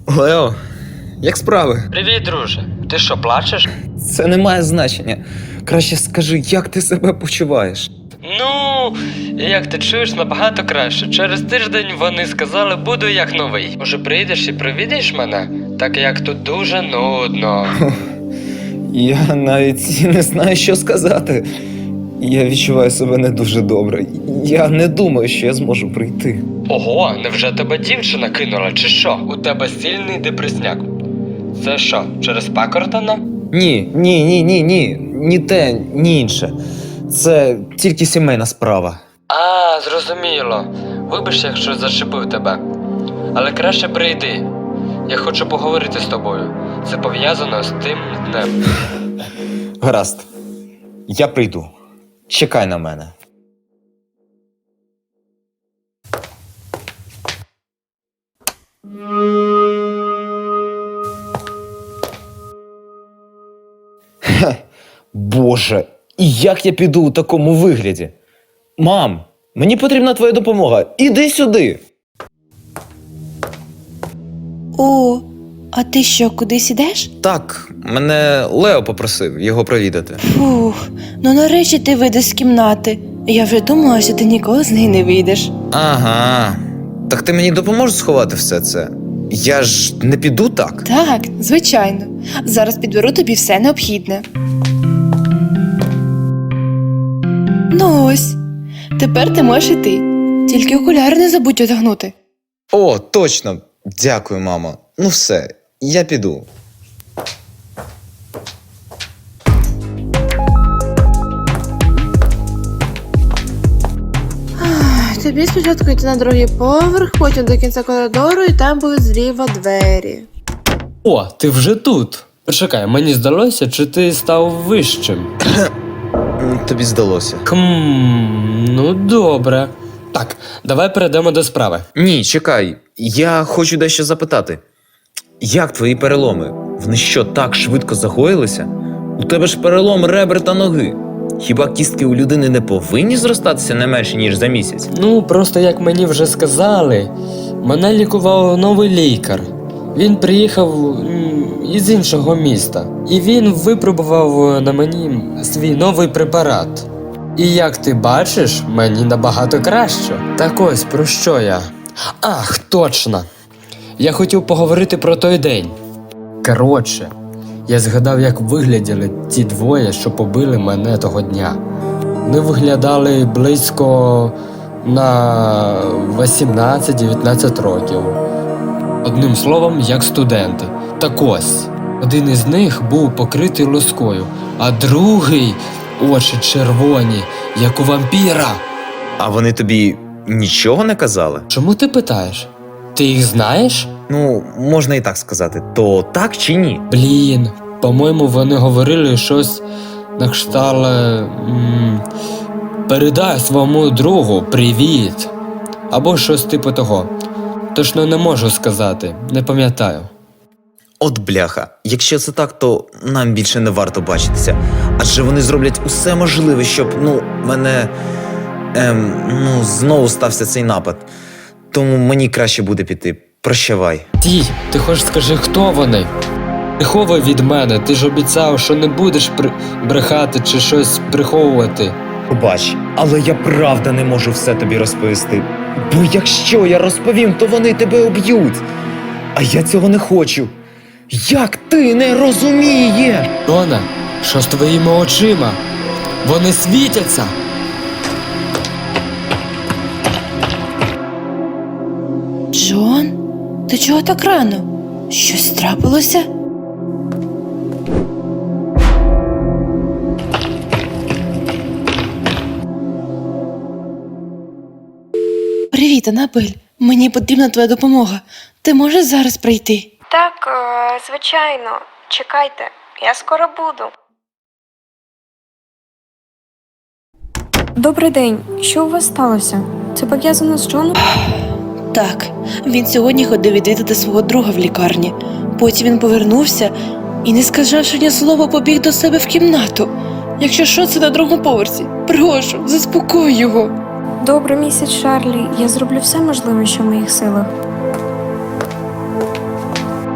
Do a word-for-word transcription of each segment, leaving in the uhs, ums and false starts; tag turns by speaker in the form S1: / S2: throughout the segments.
S1: Лео, як справи?
S2: Привіт, друже. Ти що, плачеш?
S1: Це не має значення. Краще скажи, як ти себе почуваєш?
S2: Ну, як ти чуєш, набагато краще. Через тиждень вони сказали, буду як новий. Може, прийдеш і провідаєш мене? Так як тут дуже нудно.
S1: Я навіть не знаю, що сказати. Я відчуваю себе не дуже добре. Я не думаю, що я зможу прийти.
S2: Ого, невже тебе дівчина кинула, чи що? У тебе сильний депресняк. Це що, через Пакертона?
S1: Ні, ні, ні, ні, ні. Ні те, ні інше. Це тільки сімейна справа.
S2: А, зрозуміло. Вибач, якщо зачепив тебе. Але краще прийди. Я хочу поговорити з тобою. Це пов'язано з тим днем.
S1: Гаразд. Я прийду. Чекай на мене. Хе, Боже, і як я піду у такому вигляді? Мам, мені потрібна твоя допомога. Іди сюди.
S3: О, а ти що, кудись ідеш?
S1: Так, мене Лео попросив його провідати.
S3: Фух, ну нарешті ти вийдеш з кімнати. Я вже думала, що ти ніколи з неї не вийдеш.
S1: Ага. Так ти мені допоможеш сховати все це? Я ж не піду так.
S3: Так, звичайно. Зараз підберу тобі все необхідне. Ну ось, тепер ти можеш іти. Тільки окуляри не забудь одягнути.
S1: О, точно. Дякую, мамо. Ну все, я піду.
S3: Тобі спочатку йти на другий поверх, потім до кінця коридору, і там будуть зліва двері.
S2: О, ти вже тут. Почекай, мені здалося, чи ти став вищим?
S1: М, Тобі здалося.
S2: Хм, ну добре. Так, давай перейдемо до справи.
S1: Ні, чекай. Я хочу дещо запитати. Як твої переломи? Вони що, так швидко загоїлися? У тебе ж перелом ребер та ноги. Хіба кістки у людини не повинні зростатися не менше, ніж за місяць?
S2: Ну, просто як мені вже сказали, мене лікував новий лікар. Він приїхав м, із іншого міста. І він випробував на мені свій новий препарат. І як ти бачиш, мені набагато краще. Так ось, про що я? Ах, точно! Я хотів поговорити про той день. Коротше, я згадав, як вигляділи ті двоє, що побили мене того дня. Вони виглядали близько на вісімнадцять-дев'ятнадцять років. Одним словом, як студенти. Так ось, один із них був покритий лоскою, а другий очі червоні, як у вампіра.
S1: А вони тобі нічого не казали?
S2: Чому ти питаєш? Ти їх знаєш?
S1: Ну, можна і так сказати. То так чи ні?
S2: Блін, по-моєму, вони говорили щось на кшталт м, передай своєму другу привіт. Або щось типу того. Точно не можу сказати, не пам'ятаю.
S1: От бляха, якщо це так, то нам більше не варто бачитися. Адже вони зроблять усе можливе, щоб, ну, мене, ем, ну, знову стався цей напад. Тому мені краще буде піти. Прощавай.
S2: Ті, ти хоч скажи, хто вони? Приховуй від мене, ти ж обіцяв, що не будеш при... брехати чи щось приховувати.
S1: Пробач, але я правда не можу все тобі розповісти. Бо якщо я розповім, то вони тебе об'ють. А я цього не хочу. Як ти не розумієш?
S2: Рона, що з твоїми очима? Вони світяться!
S3: Джон, ти чого так рано? Щось трапилося? Привіт, Анабель. Мені потрібна твоя допомога. Ти можеш зараз прийти?
S4: Так, е, звичайно. Чекайте, я скоро буду. Добрий день. Що у вас сталося? Це пов'язано з Джоном?
S3: Так, він сьогодні ходив відвідати свого друга в лікарні. Потім він повернувся і, не сказавши ні слова, побіг до себе в кімнату. Якщо що, це на другому поверсі. Прошу, заспокой його.
S4: Добре, місяць Шарлі. Я зроблю все можливе, що в моїх силах.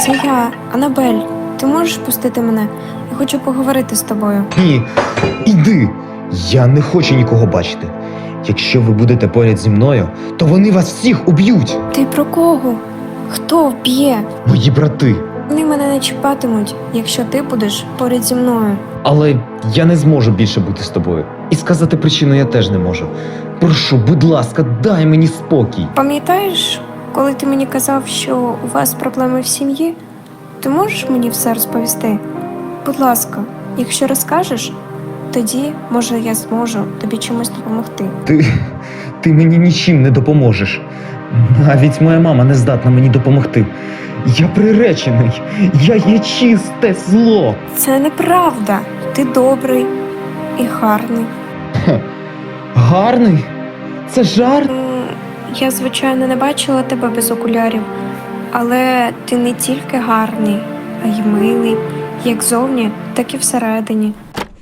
S5: Це я, Анабель. Ти можеш пустити мене? Я хочу поговорити з тобою.
S1: Ні, іди. Я не хочу нікого бачити. Якщо ви будете поряд зі мною, то вони вас всіх уб'ють.
S5: Ти про кого? Хто вб'є?
S1: Мої брати.
S5: Вони мене не чіпатимуть, якщо ти будеш поряд зі мною.
S1: Але я не зможу більше бути з тобою. І сказати причину я теж не можу. Прошу, будь ласка, дай мені спокій.
S5: Пам'ятаєш, коли ти мені казав, що у вас проблеми в сім'ї? Ти можеш мені все розповісти? Будь ласка, якщо розкажеш, тоді, може, я зможу тобі чимось допомогти.
S1: Ти, ти мені нічим не допоможеш. Навіть моя мама не здатна мені допомогти. Я приречений. Я є чисте зло.
S5: Це неправда. Ти добрий і гарний.
S1: Гарний? Це жарт?
S5: М, Я, звичайно, не бачила тебе без окулярів, але ти не тільки гарний, а й милий, як зовні, так і всередині.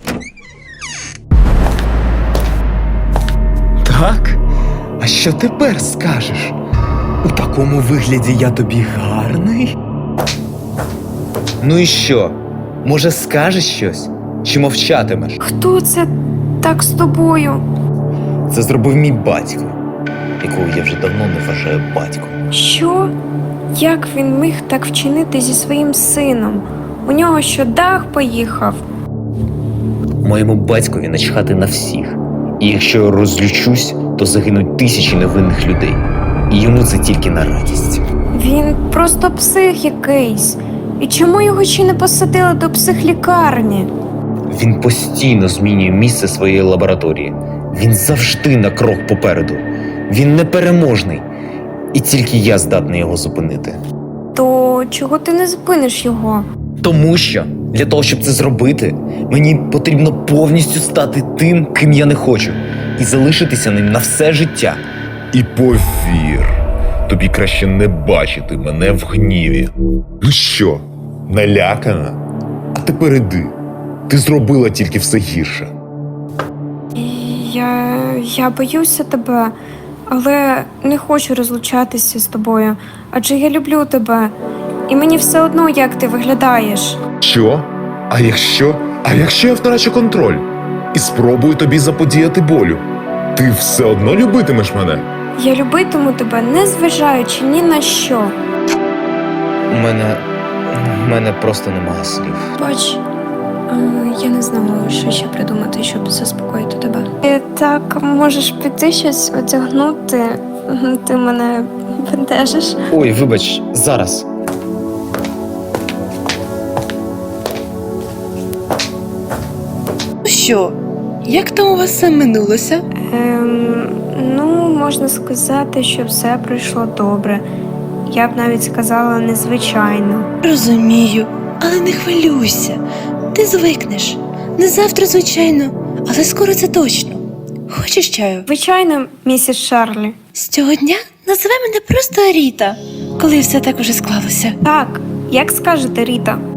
S1: Так? А що тепер скажеш? У такому вигляді я тобі гарний? Ну і що? Може, скажеш щось? Чи мовчатимеш?
S5: Хто це так з тобою?
S1: Це зробив мій батько, якого я вже давно не вважаю батьком.
S5: Що? Як він міг так вчинити зі своїм сином? У нього що, дах поїхав?
S1: Моєму батькові начхати на всіх. І якщо я розлючусь, то загинуть тисячі невинних людей. І йому це тільки на радість.
S5: Він просто псих якийсь. І чому його ще не посадили до психлікарні?
S1: Він постійно змінює місце своєї лабораторії. Він завжди на крок попереду. Він непереможний. І тільки я здатний його зупинити.
S5: То чого ти не зупиниш його?
S1: Тому що для того, щоб це зробити, мені потрібно повністю стати тим, ким я не хочу, і залишитися ним на все життя.
S6: І повір, тобі краще не бачити мене в гніві. Ну що, налякана? А тепер іди. Ти зробила тільки все гірше.
S5: Я. я боюся тебе, але не хочу розлучатися з тобою, адже я люблю тебе. І мені все одно, як ти виглядаєш.
S6: Що? А якщо? А якщо я втрачу контроль? І спробую тобі заподіяти болю? Ти все одно любитимеш мене?
S5: Я любитиму тебе, не зважаючи ні на що.
S1: У мене. У мене просто немає слів.
S5: Бач, е, я не знала, що ще придумати, щоб заспокоїти тебе. Ти так можеш піти щось одягнути, ти мене бентежиш.
S1: Ой, вибач, зараз.
S3: Ну що, як там у вас все минулося?
S5: Ем, ну, можна сказати, що все пройшло добре. Я б навіть сказала незвичайно.
S3: Розумію, але не хвилюйся. Ти звикнеш. Не завтра, звичайно, але скоро це точно. Хочеш чаю?
S5: Звичайно, місіс Шарлі.
S3: З цього дня називай мене просто Ріта, коли все так уже склалося.
S5: Так, як скажете, Ріта.